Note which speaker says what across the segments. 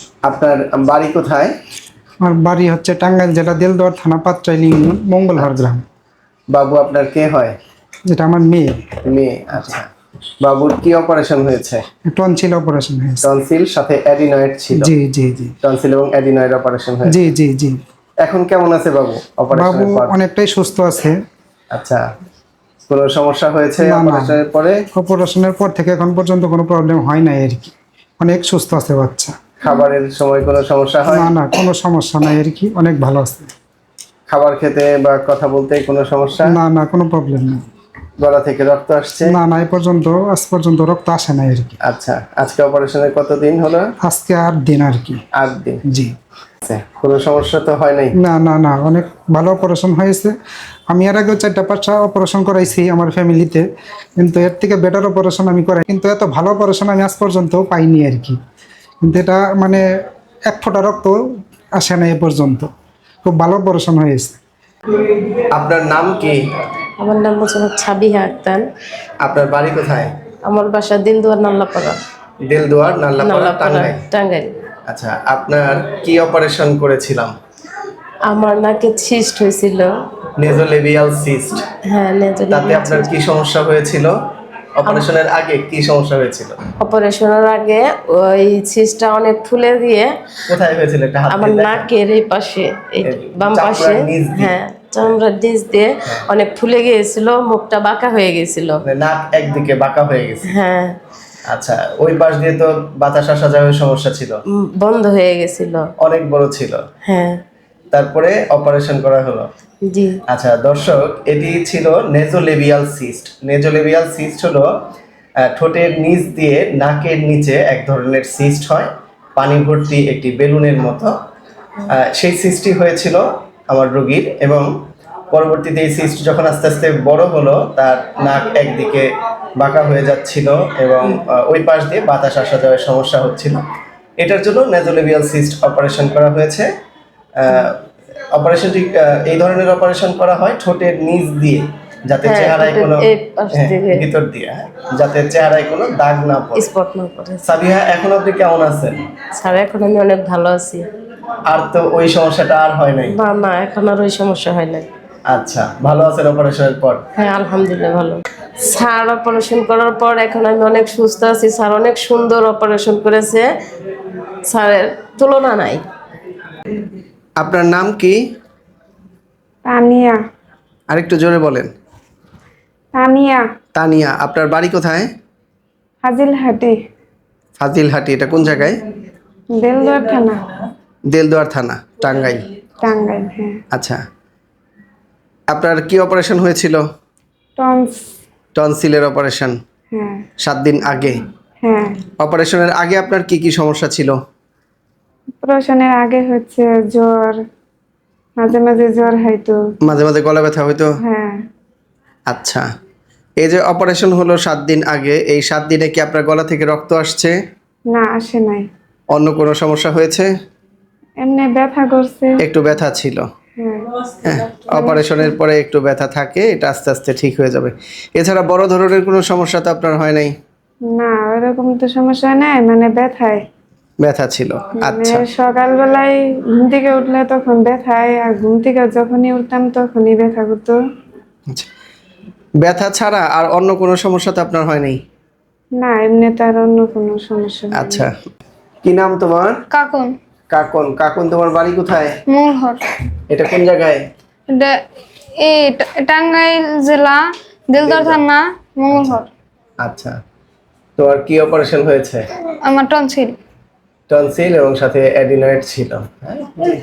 Speaker 1: আপনার বাড়ি কোথায়?
Speaker 2: আমার বাড়ি হচ্ছে টাঙ্গাইল জেলা দেলদুয়ার থানা পাঁচচাইল ইউনিয়ন মঙ্গলহার গ্রাম।
Speaker 1: বাবু আপনার কে হয়?
Speaker 2: যেটা আমার মেয়ে।
Speaker 1: মেয়ে। আচ্ছা, বাবুর কি অপারেশন হয়েছে?
Speaker 2: টনসিল অপারেশন হয়েছে।
Speaker 1: টনসিল সাথে অ্যাডিনয়েড ছিল।
Speaker 2: জি জি জি।
Speaker 1: টনসিল এবং অ্যাডিনয়েড অপারেশন হয়েছে।
Speaker 2: জি জি জি।
Speaker 1: এখন কেমন আছে বাবু
Speaker 2: বাবু
Speaker 1: অপারেশনের পর?
Speaker 2: অনেকটাই সুস্থ আছে।
Speaker 1: আচ্ছা, কোনো সমস্যা হয়েছে
Speaker 2: না না,
Speaker 1: অপারেশনের পরে?
Speaker 2: অপারেশনের পর থেকে এখন পর্যন্ত কোনো প্রবলেম হয় নাই আর কি, অনেক সুস্থ আছে বাচ্চা।
Speaker 1: খাবারের সময় কোনো সমস্যা হয়?
Speaker 2: না না, কোনো সমস্যা নাই আর কি, অনেক ভালো আছে।
Speaker 1: খাবার খেতে বা কথা বলতে কোনো সমস্যা?
Speaker 2: না না, কোনো প্রবলেম নেই।
Speaker 1: গলা থেকে রক্ত আসছে?
Speaker 2: না না, আজ পর্যন্ত রক্ত আসে নাই আর কি।
Speaker 1: আচ্ছা, আজকে অপারেশনের কতদিন হলো?
Speaker 2: আজকে 8 দিন আর কি।
Speaker 1: 8 দিন।
Speaker 2: জি।
Speaker 1: আচ্ছা, কোনো সমস্যা তো হয় নাই?
Speaker 2: না না না, অনেক ভালো অপারেশন হয়েছে। আমি এর আগেও 4-5টা অপারেশন করাইছি আমার ফ্যামিলিতে, কিন্তু এর থেকে বেটার অপারেশন আমি করাই, কিন্তু এত ভালো অপারেশন আমি আজ পর্যন্ত পাইনি আর কি। কিন্তু এটা মানে 1 ফোঁটা রক্ত আসে না এ পর্যন্ত, খুব ভালো অপারেশন হয়েছে।
Speaker 1: আপনার নাম কি?
Speaker 3: আমার নাম মোহাম্মদ ছাবিহা আক্তার।
Speaker 1: আপনার বাড়ি কোথায়?
Speaker 3: আমার বাসা দিলদুয়ার নাল্লাপাড়া।
Speaker 1: দেলদুয়ার নাল্লাপাড়া,
Speaker 3: নাল্লাপাড়া
Speaker 1: টাঙ্গাইল।
Speaker 3: টাঙ্গাইল।
Speaker 1: আচ্ছা, আপনার কি অপারেশন করেছিলাম?
Speaker 3: আমার নাকে সিস্ট হয়েছিল।
Speaker 1: Nasolabial cyst.
Speaker 3: হ্যাঁ,
Speaker 1: তাতে আপনার কি সমস্যা হয়েছিল? অপারেশনের আগে কি সমস্যা হয়েছিল?
Speaker 3: অপারেশনের আগে ওই সিস্টটা অনেক ফুলে দিয়ে
Speaker 1: কোথায় হয়েছিল একটা হাত
Speaker 3: আমার
Speaker 1: দিয়ে দেখান।
Speaker 3: নাকের এই পাশে, এই বাম
Speaker 1: চামড়ার
Speaker 3: পাশে।
Speaker 1: নিচ দিয়ে?
Speaker 3: হ্যাঁ, চামড়ার নিচ দিয়ে অনেক ফুলে গিয়েছিল, মুখটা বাঁকা হয়ে গেছিল।
Speaker 1: মানে নাক একদিকে বাঁকা হয়ে গেছে।
Speaker 3: হ্যাঁ,
Speaker 1: আচ্ছা, ওই পাশ দিয়ে তো বাতাস আসা যাওয়ার সমস্যা ছিল।
Speaker 3: বন্ধ হয়ে গেছিল।
Speaker 1: অনেক বড় ছিল।
Speaker 3: হ্যাঁ।
Speaker 1: তারপরে অপারেশন করা হলো।
Speaker 3: জি।
Speaker 1: আচ্ছা দর্শক, এটি ছিল নেজোলেবিয়াল সিস্ট। নেজোলেবিয়াল সিস্ট হলো ঠোঁটের নিচ দিয়ে নাকের নিচে এক ধরনের সিস্ট হয়, পানি ভর্তি একটি বেলুনের মতো। সেই সিস্টটি হয়েছিল আমার রোগীর, এবং পরবর্তীতে এই সিস্ট যখন আস্তে আস্তে বড় হলো, তার নাক একদিকে বাঁকা হয়ে যাচ্ছিল এবং ওই পাশ দিয়ে বাতাস আসা যাওয়ার সমস্যা হচ্ছিল। এটার জন্য নেজোলেবিয়াল সিস্ট অপারেশন করা হয়েছে। অপারেশনটি এই ধরনের অপারেশন করা হয় ঠোঁটের নিচ দিয়ে, যাতে
Speaker 3: হ্যাঁ,
Speaker 1: চেহারায় কোনো
Speaker 3: এই পাশ থেকে।
Speaker 1: ভিতর দিয়ে, যাতে চেহারায় কোনো দাগ না পড়ে।
Speaker 3: স্পট না করে।
Speaker 1: সাবিহা, এখন আপনি কেমন আছেন?
Speaker 3: স্যার, এখন আমি অনেক ভালো আছি।
Speaker 1: আর তো ওই সমস্যাটা আর হয় নাই?
Speaker 3: না না, এখন আর ওই সমস্যা হয় না।
Speaker 1: আচ্ছা, ভালো আছেন অপারেশনের পর?
Speaker 3: হ্যাঁ, আলহামদুলিল্লাহ ভালো। স্যার অপারেশন করার পর এখন আমি অনেক সুস্থ আছি। স্যার অনেক সুন্দর অপারেশন করেছে, স্যারের তুলনা নাই।
Speaker 1: আপনার নাম কি?
Speaker 4: তানিয়া।
Speaker 1: আরেকটু জোরে বলেন।
Speaker 4: তানিয়া।
Speaker 1: তানিয়া। আপনার বাড়ি কোথায়?
Speaker 4: হাজিলহাটি।
Speaker 1: ফাজিলহাটি, এটা কোন জায়গায়?
Speaker 4: দেলদুয়ার থানা।
Speaker 1: দেলদুয়ার থানা, টাঙ্গাইল।
Speaker 4: টাঙ্গাইল। হ্যাঁ।
Speaker 1: আচ্ছা, আপনার কি অপারেশন হয়েছিল?
Speaker 4: টন্স।
Speaker 1: টনসিলের অপারেশন।
Speaker 4: হ্যাঁ।
Speaker 1: 7 দিন আগে।
Speaker 4: হ্যাঁ।
Speaker 1: অপারেশনের আগে আপনার কি কি সমস্যা ছিল?
Speaker 4: অপারেশনের আগে হচ্ছে জ্বর, মাঝে মাঝে জ্বর হয়তো।
Speaker 1: মাঝে মাঝে গলা ব্যথা হইতো?
Speaker 4: হ্যাঁ।
Speaker 1: আচ্ছা, এই যে অপারেশন হলো 7 দিন আগে, এই 7 দিনে কি আপনার গলা থেকে রক্ত আসছে?
Speaker 4: না, আসে নাই।
Speaker 1: অন্য কোনো সমস্যা হয়েছে?
Speaker 4: এমনি ব্যথা করছে।
Speaker 1: একটু ব্যথা ছিল।
Speaker 4: হ্যাঁ।
Speaker 1: হ্যাঁ, অপারেশনের পরে একটু ব্যথা থাকে, এটা আস্তে আস্তে ঠিক হয়ে যাবে। এছাড়া বড় ধরনের কোনো সমস্যা তো আপনার হয় নাই?
Speaker 4: না, ওরকম তো সমস্যা নাই, মানে ব্যথায়।
Speaker 1: ব্যথা ছিল। আচ্ছা।
Speaker 4: মানে সকালবেলায় ঘুম থেকে উঠলে তখন ব্যথায়, আর ঘুম থেকে যখনই উঠতাম তখনই ব্যথা করতো।
Speaker 1: আচ্ছা, ব্যথা ছাড়া আর অন্য কোনো সমস্যা তো আপনার হয় নাই?
Speaker 4: না, এমনি তার অন্য কোনো সমস্যা নেই।
Speaker 1: আচ্ছা, কি নাম তোমার?
Speaker 5: কাকুন।
Speaker 1: কাকন। কাকন, তোমার বাড়ি কোথায়?
Speaker 5: মূলহর।
Speaker 1: এটা কোন জায়গায়?
Speaker 5: এটা এই টাঙ্গাইল জেলা দেলদুয়ার থানা মঙ্গলহর।
Speaker 1: আচ্ছা, তোমার কি অপারেশন হয়েছে?
Speaker 5: আমার টনসিল।
Speaker 1: টনসিল এবং সাথে অ্যাডিনয়েড ছিল। হ্যাঁ?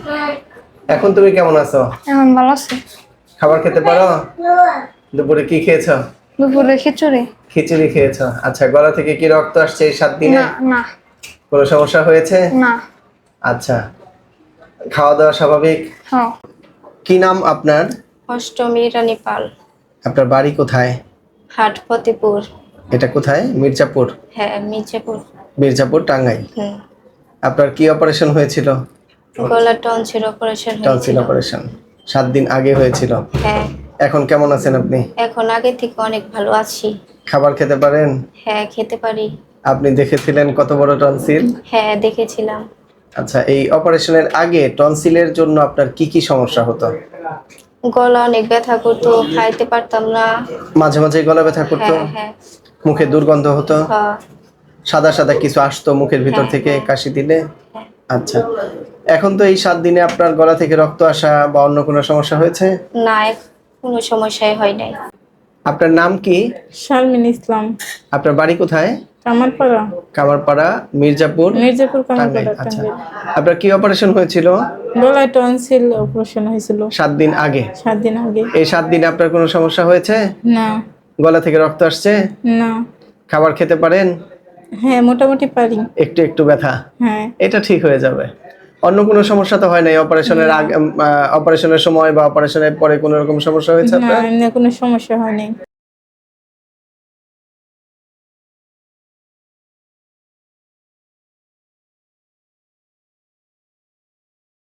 Speaker 1: এখন তুমি কেমন আছো?
Speaker 5: এখন ভালো আছে।
Speaker 1: খাবার খেতে পারো? দুপুরে কি খেয়েছো?
Speaker 5: দুপুরে খিচুড়ি।
Speaker 1: খিচুড়ি খেয়েছো। আচ্ছা, গলা থেকে কি রক্ত আসছে এই 7 দিনে?
Speaker 5: না না
Speaker 1: কোনো সমস্যা হয়েছে?
Speaker 5: না।
Speaker 1: আচ্ছা, খাওয়া দাওয়া স্বাভাবিক?
Speaker 5: হ্যাঁ।
Speaker 1: কি নাম আপনার?
Speaker 6: অষ্টমী রানী পাল।
Speaker 1: আপনার বাড়ি কোথায়?
Speaker 6: হাট ফতেপুর।
Speaker 1: এটা কোথায়? মির্জাপুর?
Speaker 6: হ্যাঁ, মির্জাপুর।
Speaker 1: মির্জাপুর, টাঙ্গাইল।
Speaker 6: হুম।
Speaker 1: আপনার কি অপারেশন হয়েছিল?
Speaker 6: গলা টনসিল অপারেশন
Speaker 1: টনসিল
Speaker 6: হয়েছিল।
Speaker 1: অপারেশন 7 দিন আগে হয়েছিল।
Speaker 6: হ্যাঁ,
Speaker 1: এখন কেমন আছেন আপনি?
Speaker 6: এখন আগে থেকে অনেক ভালো আছি।
Speaker 1: খাবার খেতে পারেন?
Speaker 6: হ্যাঁ, খেতে পারি।
Speaker 1: আপনি দেখেছিলেন কত বড় টনসিল?
Speaker 6: হ্যাঁ, দেখেছিলাম।
Speaker 1: আচ্ছা, এই অপারেশনের আগে টনসিলের জন্য আপনার কি কি সমস্যা হতো?
Speaker 6: গলা অনেক ব্যথা করতো, খাইতে পারতাম না।
Speaker 1: মাঝে মাঝে গলা ব্যথা করতো,
Speaker 6: হ্যাঁ হ্যাঁ
Speaker 1: মুখে দুর্গন্ধ হতো,
Speaker 6: হ্যাঁ,
Speaker 1: সাদা সাদা কিছু আসতো মুখের ভিতর
Speaker 6: হ্যাঁ,
Speaker 1: থেকে
Speaker 6: হ্যাঁ।
Speaker 1: কাশি দিলে?
Speaker 6: হ্যাঁ।
Speaker 1: আচ্ছা, এখন তো এই 7 দিনে আপনার গলা থেকে রক্ত আসা বা অন্য কোনো সমস্যা হয়েছে?
Speaker 6: না, কোনো সমস্যাই হয় নাই।
Speaker 1: আপনার নাম কি?
Speaker 7: শারমিন ইসলাম,
Speaker 1: আপনার বাড়ি কোথায়?
Speaker 7: কামারপাড়া,
Speaker 1: কামারপাড়া, মির্জাপুর,
Speaker 7: মির্জাপুর
Speaker 1: টাঙ্গাইল।
Speaker 7: কামারপাড়া,
Speaker 1: আচ্ছা,
Speaker 7: টাঙ্গাইল।
Speaker 1: আপনার কি অপারেশন হয়েছিল?
Speaker 7: গলায় টনসিল অপারেশন হয়েছিল
Speaker 1: 7 দিন আগে।
Speaker 7: 7 দিন আগে।
Speaker 1: এই 7 দিনে আপনার কোনো সমস্যা হয়েছে?
Speaker 7: না,
Speaker 1: গলা থেকে রক্ত আসছে?
Speaker 7: না,
Speaker 1: খাবার খেতে পারেন?
Speaker 7: হ্যাঁ মোটামুটি পারি।
Speaker 1: একটু একটু ব্যথা,
Speaker 7: হ্যাঁ,
Speaker 1: এটা ঠিক হয়ে যাবে। অন্য কোনো সমস্যা তো হয় নাই অপারেশনের আগে, অপারেশনের সময় বা অপারেশনের পরে কোনো রকম সমস্যা হয়েছে
Speaker 7: না
Speaker 1: আপনার?
Speaker 7: এমনি কোনো সমস্যা হয়নি।